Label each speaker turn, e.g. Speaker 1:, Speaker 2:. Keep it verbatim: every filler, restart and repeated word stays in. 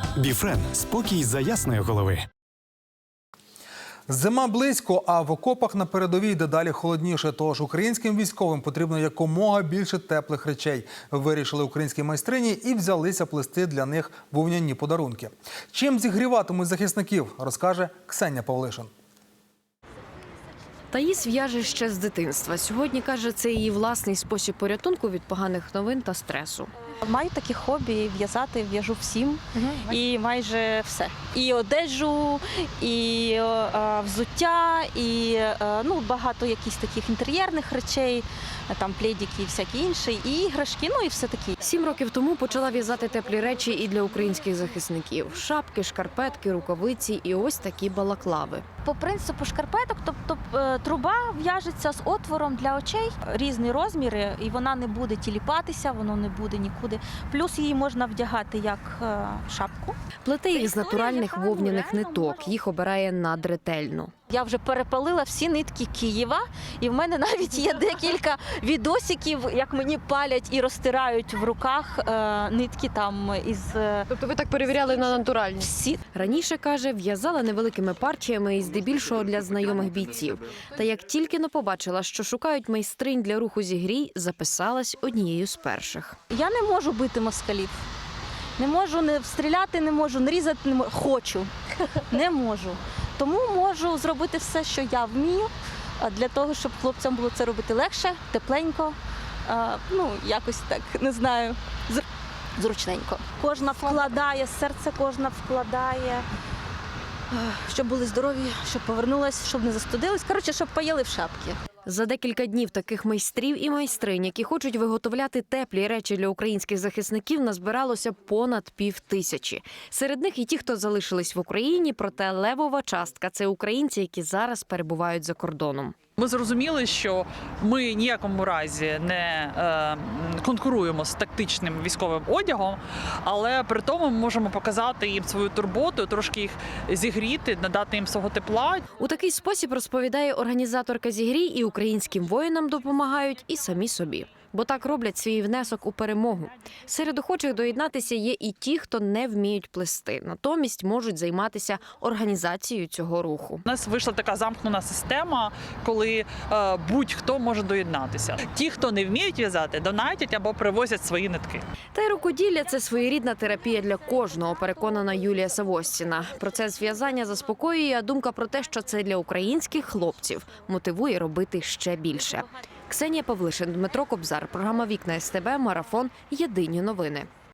Speaker 1: Біфрен – спокій за ясної голови.
Speaker 2: Зима близько, а в окопах на передовій дедалі холодніше. Тож українським військовим потрібно якомога більше теплих речей. Вирішили українські майстрині і взялися плести для них вовняні подарунки. Чим зігріватимуть захисників, розкаже Ксенія Павлишин.
Speaker 3: Таїс в'яже ще з дитинства. Сьогодні, каже, це її власний спосіб порятунку від поганих новин та стресу.
Speaker 4: Маю такі хобі – в'язати, в'яжу всім і майже все. І одежу, і е, взуття, і е, ну, багато якісь таких інтер'єрних речей, там пледики і всякі інші, і іграшки, ну і все таке.
Speaker 3: Сім років тому почала в'язати теплі речі і для українських захисників. Шапки, шкарпетки, рукавиці і ось такі балаклави.
Speaker 4: По принципу шкарпеток, тобто труба в'яжеться з отвором для очей, різні розміри, і вона не буде тіліпатися, воно не буде нікуди. Плюс її можна вдягати як шапку.
Speaker 3: Плете їх з натуральних вовняних ниток, їх обирає надретельно.
Speaker 4: Я вже перепалила всі нитки Києва, і в мене навіть є декілька відосиків, як мені палять і розтирають в руках е, нитки там із...
Speaker 3: Тобто ви так перевіряли на натуральність?
Speaker 4: Всі.
Speaker 3: Раніше, каже, в'язала невеликими партіями і здебільшого для знайомих бійців. Та як тільки не побачила, що шукають майстринь для руху зігрій, записалась однією з перших.
Speaker 4: Я не можу бити москалів. Не можу не стріляти, не можу, не різати, не можу. Хочу. Не можу. Тому можу зробити все, що я вмію, для того, щоб хлопцям було це робити легше, тепленько, ну, якось так, не знаю, зручненько. Кожна вкладає, серце кожна вкладає, щоб були здорові, щоб повернулись, щоб не застудились, коротше, щоб поїли в шапки.
Speaker 3: За декілька днів таких майстрів і майстринь, які хочуть виготовляти теплі речі для українських захисників, назбиралося понад пів тисячі. Серед них і ті, хто залишились в Україні, проте левова частка – це українці, які зараз перебувають за кордоном.
Speaker 5: Ми зрозуміли, що ми ніякому разі не е, конкуруємо з тактичним військовим одягом, але при тому ми можемо показати їм свою турботу, трошки їх зігріти, надати їм свого тепла.
Speaker 3: У такий спосіб, розповідає організаторка зігрій, і українським воїнам допомагають, і самі собі. Бо так роблять свій внесок у перемогу. Серед охочих доєднатися є і ті, хто не вміють плести. Натомість можуть займатися організацією цього руху.
Speaker 5: У нас вийшла така замкнена система, коли е, будь-хто може доєднатися. Ті, хто не вміють в'язати, донатять або привозять свої нитки.
Speaker 3: Та й рукоділля – це своєрідна терапія для кожного, переконана Юлія Савостіна. Процес в'язання заспокоює, а думка про те, що це для українських хлопців, мотивує робити ще більше. Ксенія Павлишин, Дмитро Кобзар. Програма «Вікна СТБ», Марафон. Єдині новини.